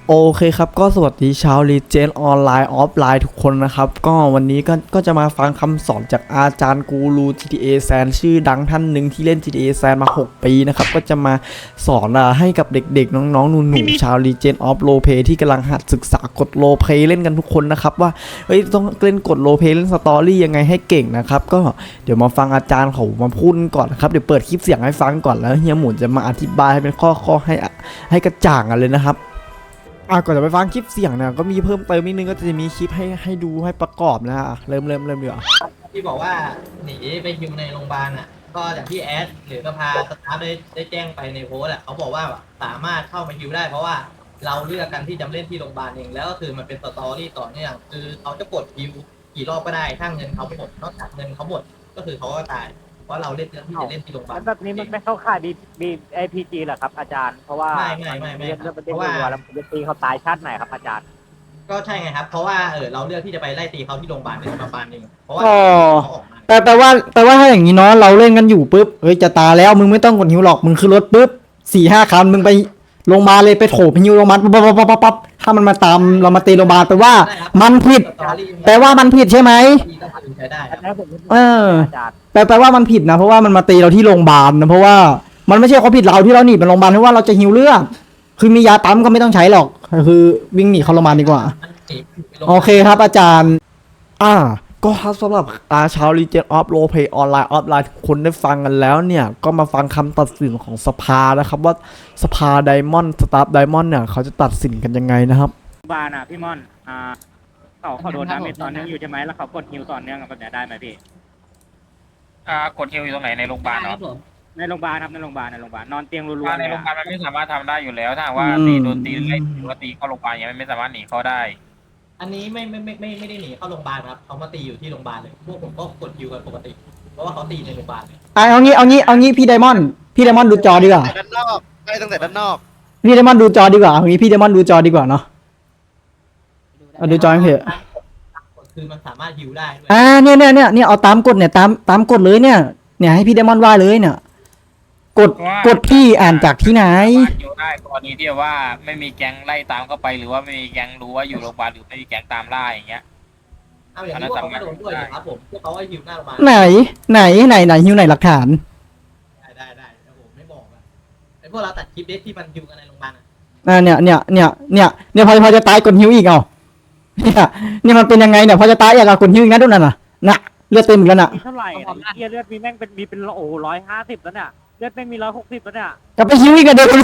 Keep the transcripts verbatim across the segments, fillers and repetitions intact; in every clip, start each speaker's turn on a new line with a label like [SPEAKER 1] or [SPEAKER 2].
[SPEAKER 1] โอเคครับก็สวัสดีชาวรีเจนออนไลน์ออฟไลน์ทุกคนนะครับก็วันนี้ก็ก็จะมาฟังคำสอนจากอาจารย์กูรู จี ที เอ San ชื่อดังท่านหนึ่งที่เล่น จี ที เอ San มาหกปีนะครับก็จะมาสอนอให้กับเด็กๆน้องๆหนูๆชาวรีเจนออฟโรเพที่กำลังหัดศึกษากดโรเพเล่นกันทุกคนนะครับว่าเฮ้ยต้องเล่นกดโรเพเล่นสตอรี่ยังไงให้เก่งนะครับก็เดี๋ยวมาฟังอาจารย์เขามาพูดก่อนนะครับเดี๋ยวเปิดคลิปเสียงให้ฟังก่อนแล้วเฮียหมุนจะมาอธิบายให้เป็นข้อๆให้ให้กระจ่างกันเลยนะครับอ่ะก่อนจะไปฟังคลิปเสียงเนี่ยก็มีเพิ่มเติมนิดนึงก็จะมีคลิปให้ให้ดูให้ประกอบนะฮะเริ่มเริ่มเริ่มเดี๋ยว
[SPEAKER 2] ที่บอกว่าหนีไปฮิวในโรงพยาบาลอ่ะก็อย่างที่แอดหรือสภาสตาฟได้ได้แจ้งไปในโพสต์อ่ะเขาบอกว่าสามารถเข้ามาฮิวได้เพราะว่าเราเลือกกันที่จะเล่นที่โรงพยาบาลเองแล้วก็คือมันเป็นสตอรี่ต่อเนื่องคือเขาจะกดฮิวกี่รอบก็ได้ถ้าเงินเขาหมดนอกจากเงินเขาหมดก็คือเขาก็ตายเพราะเราเล่นเรื่องที่จะเล่นที่โรงพยาบาล
[SPEAKER 3] แบบนี้มันไม่เข้าข่ายบีบีไอพีจีเหรอครับอาจารย์เพราะว่า
[SPEAKER 2] ไม่ไม่ไม่ไม่
[SPEAKER 3] เพราะว่าแล้วผมจะตีเขาตายชาติไหนครับอาจารย์
[SPEAKER 2] ก็ใช่ไงครับเพราะว่าเออเราเลือกที่จะไปไล่ตีเขาที่โรงพยาบาลในโรงพยาบาลเองเพราะว่าเขาออกมา
[SPEAKER 1] แต่แปลว่าแปลว่าถ้าอย่างนี้เนาะเราเล่นกันอยู่ปุ๊บเฮ้ยจะตายแล้วมึงไม่ต้องกดหิวหรอกมึงขึ้นรถปุ๊บสี่ห้าคันมึงไปลงมาเลยไปโถไปหิวลงมาปั๊บปั๊บปั๊บปั๊บปั๊บถ้ามันมาตามเรามาตีโรงพยาบาลแปลว่ามันผิดแปลว่ามันผิดใช่ไหมเออแปลแปลว่ามันผิดนะเพราะว่ามันมาตีเราที่โรงพยาบาลนะเพราะว่ามันไม่ใช่เขาผิดเราที่เราหนีไปโรงพยาบาลเพราะว่าเราจะหิวเลือดคือมียาปั๊มก็ไม่ต้องใช้หรอกคือวิ่งหนีเข้าโรงพยาบาลดีกว่าโอเคครับอาจารย์อ่าก็ครับสำหรับอาชาวรีเจนออฟโรเพย์ออนไลน์ออฟไลน์ทุกคนได้ฟังกันแล้วเนี่ยก็มาฟังคำตัดสินของสภานะครับว่าสภาไดมอนด์สตาฟไดมอนด์เนี่ยเขาจะตัดสินกันยังไงนะครับ
[SPEAKER 3] บานอ่ะพี่ม่อนอ่าเขาเขาโดนดาเมจตอนนึงอยู่ใช่ไหมแล้วเขากดฮิวตอนเนื่องแบบนี้ได้ไหมพี่
[SPEAKER 4] อ่ากดฮิวอยู่ตรงไหนในโรงพยาบาลเนาะ
[SPEAKER 3] ในโรงพยาบาลครับในโรงพยาบาลในโรงพยาบาลนอนเตียงรัวๆ
[SPEAKER 4] ในโรงพยาบาลมันไม่สามารถทำได้อยู่แล้วถ้าว่าตีโดนตีไล่หรือว่าตีเข้าโรงพยาบาลอย่างเงี้ยมันไม่สามารถหนีเข้าได้
[SPEAKER 2] อันนี้ไม่ไม่ไม่ไม่ไม่ได้หนีเข้าโรงพยาบาลครับเขามาตีอยู่ที่โรงพยาบาลเลยพวกผมก็กดฮิวกันปกติเพราะว่าเขาตีในโรงพยาบาลเลย
[SPEAKER 1] เอางี้เอางี้เอางี้พี่ไดมอนด์พี่ไดมอนด์ดูจอดีกว่า
[SPEAKER 5] ด้านนอกได้ตั้งแต่ด้านนอก
[SPEAKER 1] พี่ไดมอนด์ดูจอดีกว่าเอางี้พี่ไดมอนด์ดูจอดีกว่าเนาะเอาดูจอเพจ
[SPEAKER 2] คือมันสามารถฮิวได้ด้วย
[SPEAKER 1] อ่าเนี่ยเนี่ยเนี่ยเนี่ยเอาตามกฎเนี่ยตามตามกฎเลยเนี่ยเนี่ยให้พี่ไดมอนด์ว่าเลยเนี่ยกดกดพี่อ่านจากที่ไหน
[SPEAKER 4] อยู่ได้กรณีที่ว่าไม่มีแก๊งไล่ตามเข้าไปหรือว่าไม่มีแก๊งรู้ว่าอยู่โรงพยาบาลหรือไม่มีแก๊งตามล่าอย่างเงี้ย
[SPEAKER 2] เอาอย่างนี้พวกเขาก็โดนด้วยครับผมพวกเขาให้ฮิวหน้าโรงพยาบาล
[SPEAKER 1] ไหนไหนไหนไหนฮิวไหนหลักฐาน
[SPEAKER 2] ได้ได้ได้ผมไม่บอกอะไอพวกเราตัดคลิปเด็ที่มันฮิวกันในโรงพยาบาล
[SPEAKER 1] อ่าเนี่ยเนี่ยเนี่ยเนี่ยเนี่ยพอพอจะตายกดฮิวอีกเอาเนี่ยนี่มันเป็นยังไงเนี่ยพอจะตายอยากกดฮิวอีกนะทุกนั่นน่ะน่ะเลือดเต็มอีกแล้วน่ะ
[SPEAKER 3] เท่าไหร่เลือดมีแม่งเป็นมีเป็นโอ้ร้อยห้าสิบแล้วเนี่ยเลือดไม่มีร้อยหกสิบแล้วเนี่ย
[SPEAKER 1] กลับไปฮิวอีกกันเดี๋ยว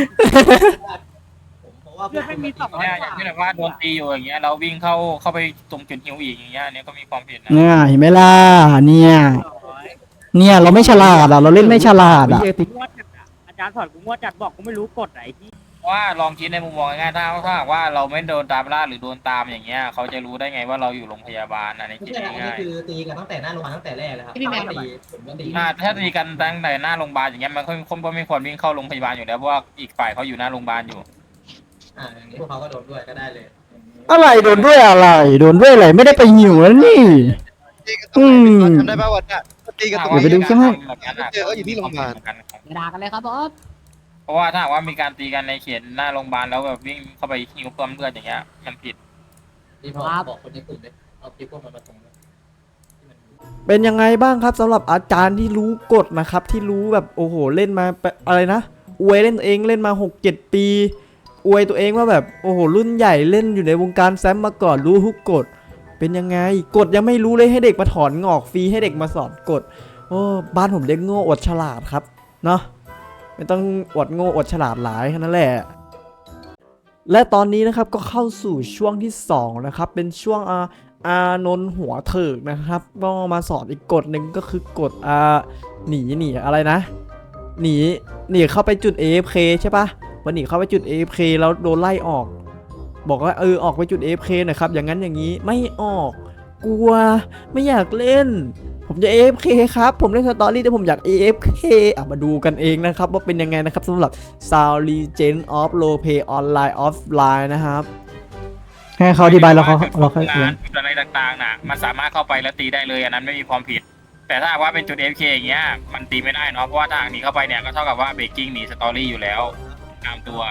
[SPEAKER 3] เลือดไม่มีสองร้อย
[SPEAKER 4] อย่างที่แบบว่าโดนตีอยู่อย่างเงี้ยเราวิ่งเข้าเข้าไปตรงจุดฮิวอีกอย่างเงี้ยเนี่ยก็มีความผิดนะ
[SPEAKER 1] เนี่ยเห็นไหมล่ะเนี่ยเนี่ยเราไม่ฉลาดอ่ะเราเล่นไม่ฉลาดอ่ะ
[SPEAKER 3] อาจารย์สอนกูมั่วจัดบอกกูไม่รู้กฎไหนที่
[SPEAKER 4] ว่าลองคิดในมุมมองง่ายๆถ้าถ้าว่าเราไม่โดนตามล่าหรือโดนตามอย่างเงี้ยเขาจะรู้ได้ไงว่าเราอยู่โรงพยาบาลอันนี้คิดง่ายๆอันนี้
[SPEAKER 2] คือตีกันตั้งแต่หน้าโรงพยาบาลตั้งแต่แรกเลยครับ
[SPEAKER 4] พี่แม่ตีผมก็ตีถ้าตีกันตั้งแต่หน้าโรงพยาบาลอย่างเงี้ยมันคนคนก็ไม่ควรวิ่งเข้าโรงพยาบาลอยู่แล้วเพราะว่าอีกฝ่ายเขาอยู่หน้าโรงพยาบาลอยู่
[SPEAKER 2] อ่าอย่างนี้พวกเขาก็โดนด้วยก็ได้เลย
[SPEAKER 1] อะไรโดนด้วยอะไรโดนด้วยอะไรไม่ได้ไปหิวแล้วนี่
[SPEAKER 5] อืมทำได้ป่าวเนี่ยตีกันตรงนี้
[SPEAKER 1] ไปดูใช่ไหม
[SPEAKER 5] เจอเขาอยู่ที่โรงพยาบาล
[SPEAKER 6] ด่ากันเลยครับบอส
[SPEAKER 4] เพราะว่าถ้าว่ามีการตีกันในเขตหน้าโรงพยาบาลแล้วแบบวิ่งเข้าไปหิวเพิ่มเลือดอย่างเงี้ยมันผิด
[SPEAKER 2] ที่พอบอกคนในกลุ่มเลยเอาคลิปพวกมันมาตรง
[SPEAKER 1] เป็นยังไงบ้างครับสำหรับอาจารย์ที่รู้กฎนะครับที่รู้แบบโอ้โหเล่นมาอะไรนะอวยเล่นเองเล่นมา หกเจ็ด ปีอวยตัวเองว่าแบบโอ้โหรุ่นใหญ่เล่นอยู่ในวงการแซมมาก่อนรู้ทุกกฎเป็นยังไงกฎยังไม่รู้เลยให้เด็กมาถอนงอกฟรีให้เด็กมาสอนกฎโอ้บ้านผมเรียกโง่อดฉลาดครับเนาะไม่ต้องอดโง่อดฉลาดหลายแค่นั้นแหละและตอนนี้นะครับก็เข้าสู่ช่วงที่สองนะครับเป็นช่วงอาอานนท์หัวเถิกนะครับก็มาสอนอีกกฎหนึ่งก็คือกฎอาหนีหนีอะไรนะหนีหนีเข้าไปจุด เอ เอฟ เค ใช่ปะวันหนีเข้าไปจุด เอ เอฟ เค แล้วโดนไล่ออกบอกว่าเออออกไปจุด เอ เอฟ เค หน่อยครับอย่างนั้นอย่างนี้ไม่ออกกลัวไม่อยากเล่นผมจะ เอ เอฟ เค ครับผมเล่นสตอรี่แต่ผมอยาก เอ เอฟ เค อ่ะมาดูกันเองนะครับว่าเป็นยังไงนะครับสำหรับ Sound Legend of Roleplay Online Offline นะครับให้เขาอธิบายแล้วเขาเราค่อย
[SPEAKER 4] งานจุดอะไรต่างๆนะมันสามารถเข้าไปแล้วตีได้เลยอันนั้นไม่มีความผิดแต่ถ้าว่าเป็นจุด เอ เอฟ เค อย่างเงี้ยมันตีไม่ได้เนาะเพราะว่าทางหนีเข้าไปเนี่ยก็เท่ากับว่าเบรกกิ้งหนีสตอรี่อยู่แล้วตามตัว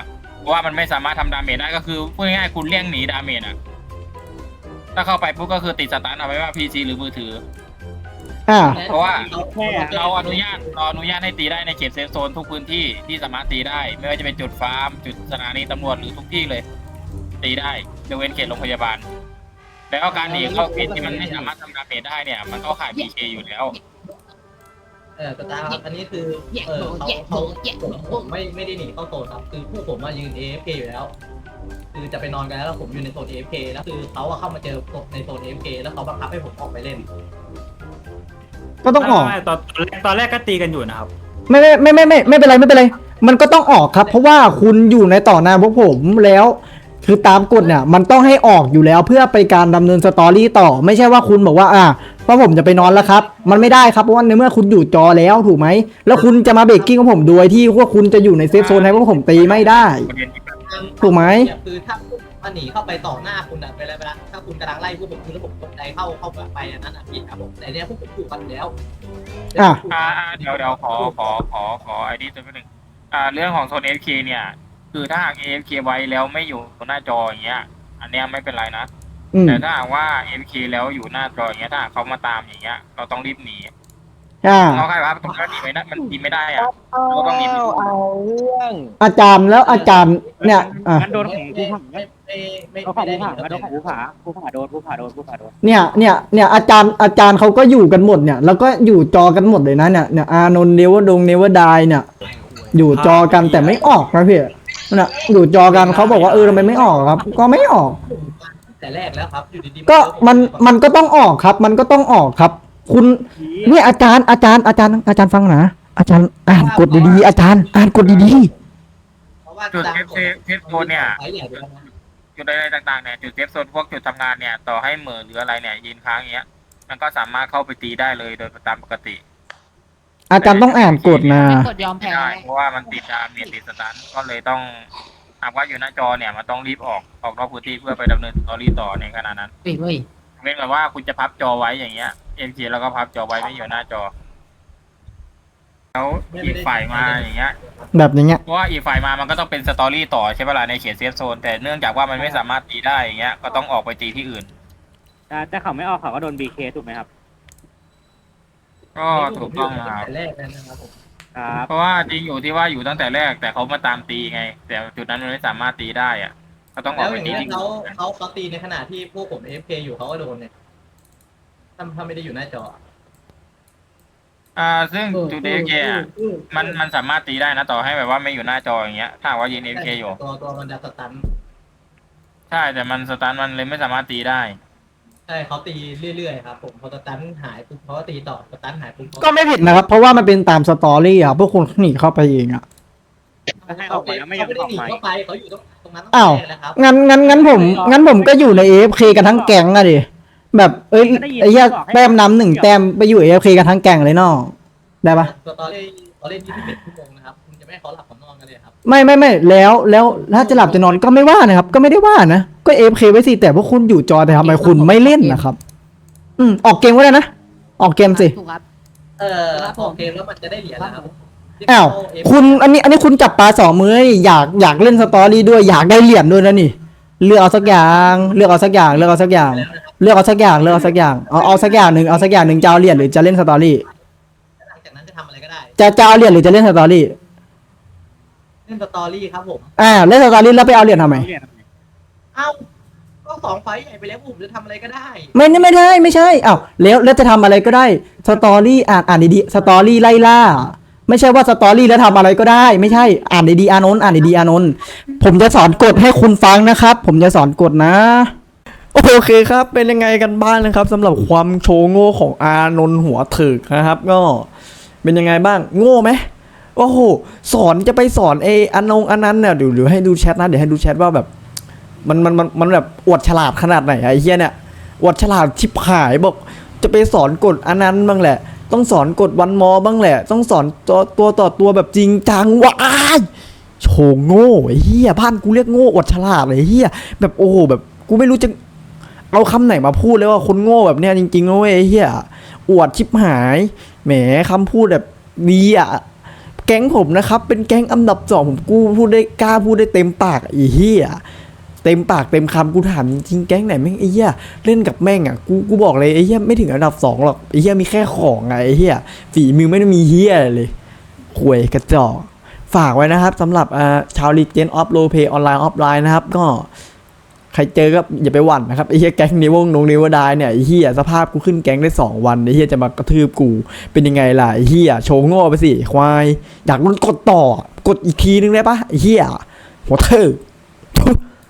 [SPEAKER 4] เพราะว่ามันไม่สามารถทำดาเมจได้ก็คือพูดง่ายๆคุณเลี่ยงหนีดาเมจอะถ้าเข้าไปปุ๊บก็คือติดสตาร์ทเอาไว้ว่า พี ซี หรือมือถือ
[SPEAKER 1] อ่า
[SPEAKER 4] เพราะว่า
[SPEAKER 3] แค่
[SPEAKER 4] เราอนุญาตเราอนุญาตให้ตีได้ในเขตเซฟโซนทุกพื้นที่ที่สามารถตีได้ ไม่ว่าจะเป็นจุดฟาร์มจุดสถานีตำรวจหรือทุกที่เลย ตีได้ยกเว้นเขตโรงพยาบาลแล้วการหนีเข้าเขตที่มันไม่สามารถทำดาเมจได้เนี่ยมันก็ข่าย พี เค อยู่แล้ว
[SPEAKER 2] เออสตาร์ครับอันนี้คือเออเขาเขาผมผมไม่ไม่ได้หนีเข้าโซนครับคือผู้ผมมายืน เอ เอฟ เค อยู่แล้ว คือจะไปนอนกันแล้วแล้วผมอยู่ในโซน เอ เอฟ เค แล้วคือเขาอะเข้ามาเจอผมในโซน เอ เอฟ เค แล้วเขาบังคับให้ผมออกไปเล่น
[SPEAKER 1] ก็ต้องออก
[SPEAKER 6] ไม่ไม่ตอนตอนแรกตอนแรกก็ตีกันอยู่นะครับ
[SPEAKER 1] ไม่ไม่ไม่ไม่ไม่ไม่เป็นไรไม่เป็นไร มันก็ต้องออกครับ เพราะว่าคุณอยู่ในต่อหน้าพวกผมแล้ว คือตามกฎเนี่ยมันต้องให้ออกอยู่แล้วเพื่อไปการดำเนินสตอรี่ต่อ ไม่ใช่ว่าคุณบอกว่าอ่าเพราะผมจะไปนอนแล้วครับ มันไม่ได้ครับเพราะว่าในเมื่อคุณอยู่จอแล้วถูกไหมแล้วคุณจะมาเบรกกิ้งของผมโดยที่พวกคุณจะอยู่ในเซฟโซนให้พวกผมตีไม่ได้ ถูกไหม
[SPEAKER 2] คือถ้ามาหนีเข้าไปต่อหน้าคุณอะไปแล้วไปแล้วถ้าคุณกำลังไล่พวกผมคือแล้วผมตกใจเข้าเข้าไปอันนั้นอะผิดครับผมแต่เนี้ยพวกผมถูกกันอยู่แล้ว
[SPEAKER 1] อ่ะ
[SPEAKER 4] อ่าอ่าเดี๋ยวเดี๋ยวขอขอขอขอไอดีตัวนิดนึงอ่าเรื่องของโซน เอ เอฟ เค เนี่ย คือถ้าหาก เอ เอฟ เค ไว้แล้วไม่อยู่หน้าจออย่างเงี้ย อันเนี้ยไม่เป็นไรนะ
[SPEAKER 1] อืม
[SPEAKER 4] แต่ถ้าหากว่า เอ เอฟ เค แล้วอยู่หน้าจออย่างเงี้ยถ้าหากเขามาตามอย่างเงี้ยเราต้องรีบหนี
[SPEAKER 1] อ่า
[SPEAKER 4] เราใครว่าตรงนั้นหนีไม่ได้มันหนีไม่ได้อะเราต้องหนีไปดู
[SPEAKER 1] อาจารย์แล้วอาจารย์เนี่ยอ่ะ
[SPEAKER 3] งั้นโดนของภูผา
[SPEAKER 2] ไม่ไม่ไม่
[SPEAKER 3] เขาของ
[SPEAKER 2] ไม่
[SPEAKER 3] ภู
[SPEAKER 2] ได้ห
[SPEAKER 3] ผา
[SPEAKER 2] นี
[SPEAKER 3] โดนของภูผาภูผาโดนภูผาโดนภูผาโดน
[SPEAKER 1] เนี่ยเนี่ยเนี่ยอาจารย์อาจารย์เขาก็อยู่กันหมดเนี่ยแล้วก็อยู่จอกันหมดเลยนะเนี่ยเนี่ยอานนท์เนวดงเนวดายเนี่ย อยู่จอกันแต่ไม่ออกนะพี่น่ะอยู่จอกันเขาบอกว่าเออทำไมไม่ออกครับ ก็ไม่ออก
[SPEAKER 2] แต่แรกแล้วครับอยู่ดีๆ
[SPEAKER 1] ก็มันมันก็ต้องออกครับ มันก็ต้องออกครับ คุณเนี่ยอาจารย์อาจารย์อาจารย์อาจารย์ฟังนะอาจารย์อ่านกฎดีๆอาจารย์อ่านกฎดี
[SPEAKER 2] เพราะว่า
[SPEAKER 4] จุด
[SPEAKER 2] ตาม
[SPEAKER 4] เซฟ
[SPEAKER 2] กฎ
[SPEAKER 4] เซฟเซฟโซนเนี่ย
[SPEAKER 2] ไฟใหญ่ไปแล้วนะ
[SPEAKER 4] จุดอะไรต่างๆเนี่ยจุดเซฟโซนพวกจุดทำงานเนี่ยต่อให้เหมือหรืออะไรเนี่ยยืนค้างอย่างเงี้ย มันก็สามารถเข้าไปตีได้เลยโดยตามปกติ
[SPEAKER 1] ๆอาจารย์ต้องอ่านกฎนะ
[SPEAKER 7] ไม่กดยอม
[SPEAKER 4] ไม่
[SPEAKER 7] แพ้
[SPEAKER 4] ได้เพราะว่ามันติดดามเนี่ยติดสตันก็เลยต้องหากว่าอยู่หน้าจอเนี่ยมันต้องรีบออกออกนอกพื้นที่เพื่อไปดำเนินสตอรี่ต่อในขณะนั้น
[SPEAKER 7] เฮ้ยเว้ย
[SPEAKER 4] เว้นแบบว่าคุณจะพับจอไว้อย่างเงี้ยเอ็มจีแล้วก็พับจอไว้ไม่อยู่หน้าจอแล้วอีกฝ่ายมาอย่างเงี้ย
[SPEAKER 1] แบบอย่างเงี้ย
[SPEAKER 4] เพราะว่าอีกฝ่ายมามันก็ต้องเป็นสตอรี่ต่อใช่ไหมล่ะในเขตเซฟโซนแต่เนื่องจากว่ามันไม่สามารถตีได้อย่างเงี้ยก็ต้องออกไปตีที่อื่น
[SPEAKER 3] แต่แต่เขาไม่ออกเขาก็โดนบีเคถูกไหมครับ
[SPEAKER 4] ก็ถูกต้องนะครับ
[SPEAKER 2] แต่แรกแล้วนะครับผม
[SPEAKER 3] ครับ
[SPEAKER 4] เพราะว่าจริงอยู่ที่ว่าอยู่ตั้งแต่แรกแต่เขามาตามตีไง แต่จุดนั้นมันไม่สามารถตีได้อะก็ต้องอ
[SPEAKER 2] แล้
[SPEAKER 4] อก
[SPEAKER 2] ว
[SPEAKER 4] ไป
[SPEAKER 2] อย่าง
[SPEAKER 4] ตี
[SPEAKER 2] นี้
[SPEAKER 4] ที่
[SPEAKER 2] เขา
[SPEAKER 4] อื่น
[SPEAKER 2] เขาเขาตีในขณะที่พวกผม เอ เอฟ เค อยู่เขาก็โดนเนี่ยถ้าถ้าไม่ได้อยู่หน้าจอ
[SPEAKER 4] อ่าซึ่งจุดเอฟเคมันมันสามารถตีได้นะต่อให้แบบว่าไม่อยู่หน้าจออย่างเงี้ยถ้าหากว่ายืนเอฟเคอยู่
[SPEAKER 2] ตัวตัวมันจะสตัน
[SPEAKER 4] ใช่แต่มันสตาร์ทมันเลยไม่สามารถตีได้
[SPEAKER 2] ใช่เขาตีเรื่อยๆครับผมพอสตันหายปุ๊บเขาก็ตีต่อสตันหายปุ๊บเขา
[SPEAKER 1] ก็ไม่ผิดนะครับ เพราะว่ามันเป็นตามสตอรี่อ่ะพวกคุณหนีเข้าไปเองอ่ะ
[SPEAKER 3] ให้ออกไปแล้วไม่ยอม
[SPEAKER 2] เขาไม่ได้
[SPEAKER 3] ออก
[SPEAKER 2] หนี
[SPEAKER 3] มา
[SPEAKER 2] เข้าไปเขาอยู่ตรงตรงนั้น
[SPEAKER 1] อ้าว
[SPEAKER 2] ตั้งแต่แรกแล้วครับ
[SPEAKER 1] งั้นงั้นงั้นผมงั้นผมก็อยู่ใน เอ เอฟ เค กันทั้งแก๊งอะดิแบบเอ้ยไอ้เหี้ยแต้มน้ำหนึ่งแต้มไปอยู่ เอ เอฟ เค กันทั้งแก๊งเลยเนาะได้ปะ
[SPEAKER 2] ตัวตอนเล่นตอนเล่นยี่สิบเอ็ดชั่วโมงนะครับคุณจะไม่ให้เขาหลับเขานอนกันเลยครับ
[SPEAKER 1] ไม่ไม่ไม่แล้วแล้วถ้าจะหลับจะนอนก็ไม่ว่านะครับ ก็ไม่ได้ว่านะก็ เอ เอฟ เค ไว้สิแต่พวกคุณอยู่จอแต่ทำไมคุณไม่เล่นนะครับ อืมออกเกมก็ได้นะออกเกมสิ
[SPEAKER 7] ถูกครับ
[SPEAKER 2] เออพอเกมแล้วมันจะได้เหรียญนะครับ
[SPEAKER 1] อ้าวคุณอันนี้อันนี้คุณจับปลาสองมือนี่อยากอยากเล่นสตอรี่ด้วยอยากได้เหรียญด้วยนะนี่เลือกเอาสักอย่างเลือกเอาสักอย่างเลือกเอาสักอย่าง เลือกเอาสักอย่างเลือกเอาสักอย่างเอาเอาสักอย่างหนึ่งเอาสักอย่างหนึ่งจะเอาเหรียญหรือจะเล่นสตอรี่
[SPEAKER 2] หลังจากนั้นจะทำอะไรก็ได้
[SPEAKER 1] จะจะเอาเหรียญหรือจะเล่นสตอรี่
[SPEAKER 2] เล่นสตอรี่ครับผม
[SPEAKER 1] อ่าเล่นสตอรี่แล้วไปเอาเหรียญทำไม
[SPEAKER 2] เอ้าก็สองไฟล์ใหญ่ไปแล้วผมจะทำอะไรก็ได้
[SPEAKER 1] ไม่ไม่ได้ไม่ใช่อ้าวแล้วแล้วจะทำอะไรก็ได้สตอรี่อ่านอ่านดีๆสตอรี่ไล่ล่าไม่ใช่ว่าสตอรี่แล้วทำอะไรก็ได้ ไม่ใช่อ่านดีๆอานนท์อ่านดีๆอานนท์ผมจะสอนกฎให้คุณฟังนะครับ ผมจะสอนกฎนะโอเคครับเป็นยังไงกันบ้างนะครับสำหรับความโชว์โง่ของอานนท์หัวถึกนะครับ ก็เป็นยังไงบ้างโง่ไหมโอ้โหสอนจะไปสอนเออันนงอันนั้นเนี่ยเดี๋ยวเดี๋ยวให้ดูแชทนะเดี๋ยวให้ดูแชทว่าแบบมันมันมันมันแบบอวดฉลาดขนาดไหนไอ้เหี้ยเนี่ยอวดฉลาดชิบหายบอกจะไปสอนกฎอันนั้นบ้างแหละต้องสอนกฎวันมอบ้างแหละต้องสอนตัวตัวต่อตัวแบบจริงจังว้ายโชว์โง่ไอ้เหี้ยบ้านกูเรียกโง่อวดฉลาดไอ้เหี้ยแบบโอ้โหแบบกูไม่รู้จะเอาคำไหนมาพูดเลยว่าคนโง่แบบเนี้ยจริงๆนะเว้ยไอ้เหี้ยอวดชิบหายแหมคำพูดแบบดีอ่ะแก๊งผมนะครับเป็นแก๊งอันดับสองผมกูพูดได้กล้าพูดได้เต็มปากไอ้เหี้ยเต็มปากเต็มคำกูถามจริงแก๊งไหนแม่งไอ้เหี้ยเล่นกับแม่งอ่ะกูกูบอกเลยไอ้เหี้ยไม่ถึงอันดับสองหรอกไอ้เหี้ยมีแค่ของไงไอ้เหี้ยฝีมือไม่ได้มีเหี้ยอะไรเลยข่วยกระจอกฝากไว้นะครับสำหรับอ่าชาวลีเจนออฟโรเพย์ออนไลน์ออฟไลน์นะครับก็ใครเจอก็อย่าไปหวั่นนะครับไอ้เหี้ยแก๊งนิวงนงนิวดายเนี่ยไอ้เหี้ยสภาพกูขึ้นแก๊งได้สองวันไอ้เหี้ยจะมากระทืบกูเป็นยังไงล่ะไอ้เหี้ยโชว์โง่ไปสิควายอยากโดนกดต่อกดอีกทีนึงได้ปะไอ้เหี้ยหัวเธอ